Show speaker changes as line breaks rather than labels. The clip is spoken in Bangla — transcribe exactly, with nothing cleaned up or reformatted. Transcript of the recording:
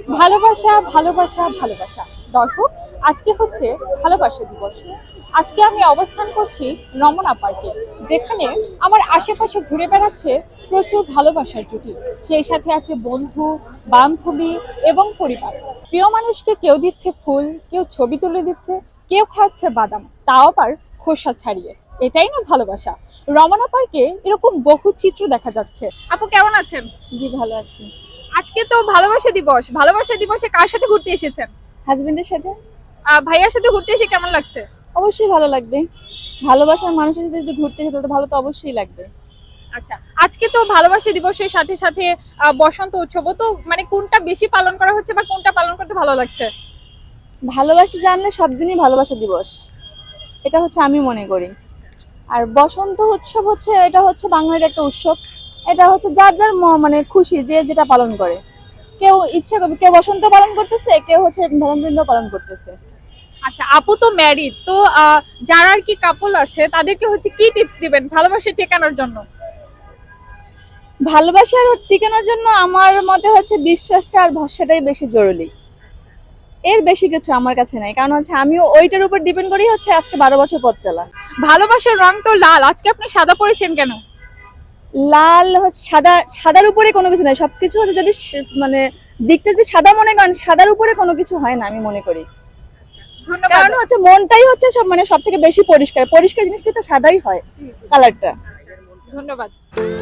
ভালোবাসা ভালোবাসা ভালোবাসা দর্শক, আজকে হচ্ছে ভালোবাসা দিবস। আজকে আমি অবস্থান করছি রমনা পার্কে, যেখানে আমার আশেপাশে ঘুরে বেড়াচ্ছে প্রচুর ভালোবাসার জুটি। সেই সাথে আছে বন্ধু, বান্ধবী এবং পরিবার। প্রিয় মানুষকে কেউ দিচ্ছে ফুল, কেউ ছবি তুলে দিচ্ছে, কেউ খাচ্ছে বাদাম, তাও আবার খোসা ছাড়িয়ে। এটাই না ভালোবাসা। রমনা পার্কে এরকম বহু চিত্র দেখা যাচ্ছে। আপু কেমন আছেন?
জি, ভালো আছি।
আজকে তো ভালোবাসা দিবস। ভালোবাসা দিবসে কার সাথে ঘুরতে এসেছেন?
হাজবেন্ডের সাথে।
আহ, ভাইয়ার সাথে ঘুরতে এসে কেমন লাগছে?
অবশ্যই ভালো লাগবে। ভালোবাসার মানুষের সাথে যদি ঘুরতে যেতে তো ভালো তো অবশ্যই লাগবে।
আচ্ছা, আজকে তো ভালোবাসা দিবসের সাথে সাথে আহ, বসন্ত উৎসব তো, মানে কোনটা বেশি পালন করা হচ্ছে বা কোনটা পালন করতে ভালো লাগছে?
ভালোবাসতে জানলে সব দিনই ভালোবাসা দিবস, এটা হচ্ছে আমি মনে করি। আর বসন্ত উৎসব হচ্ছে, এটা হচ্ছে বাঙালির একটা উৎসব। এটা হচ্ছে যার যার ম- মানে খুশি, যে যেটা পালন করে। কেউ ইচ্ছা করবে, কেউ বসন্ত পালন করতেছে, কেউ হচ্ছে ভ্যালেন্টাইন পালন করতেছে।
আচ্ছা, আপু তো ম্যারিড, তো আহ, যারা আর কি কাপল আছে তাদেরকে হচ্ছে কি টিপস দিবেন ভালোবাসা টেকানোর জন্য?
ভালোবাসার টিকানোর জন্য আমার মতে হচ্ছে বিশ্বাসটা আর ভরসাটাই বেশি জরুরি। এর বেশি কিছু আমার কাছে নাই, কারণ হচ্ছে আমিও ওইটার উপর ডিপেন্ড করি হচ্ছে আজকে বারো বছর পথ চলা।
ভালোবাসার রং তো লাল, আজকে আপনি সাদা পরেছেন কেন?
লাল হচ্ছে সাদা, সাদার উপরে কোনো কিছু নাই, সবকিছু হচ্ছে যদি স- মানে দিকটা যদি সাদা মনে করেন, সাদার উপরে কোনো কিছু হয় না আমি মনে করি।
ধন্যবাদ।
কারণ হচ্ছে মনটাই হচ্ছে সব মানে সব থেকে বেশি পরিষ্কার, পরিষ্কার জিনিসটা তো সাদাই হয়
জি, জি,
কালারটা।
ধন্যবাদ।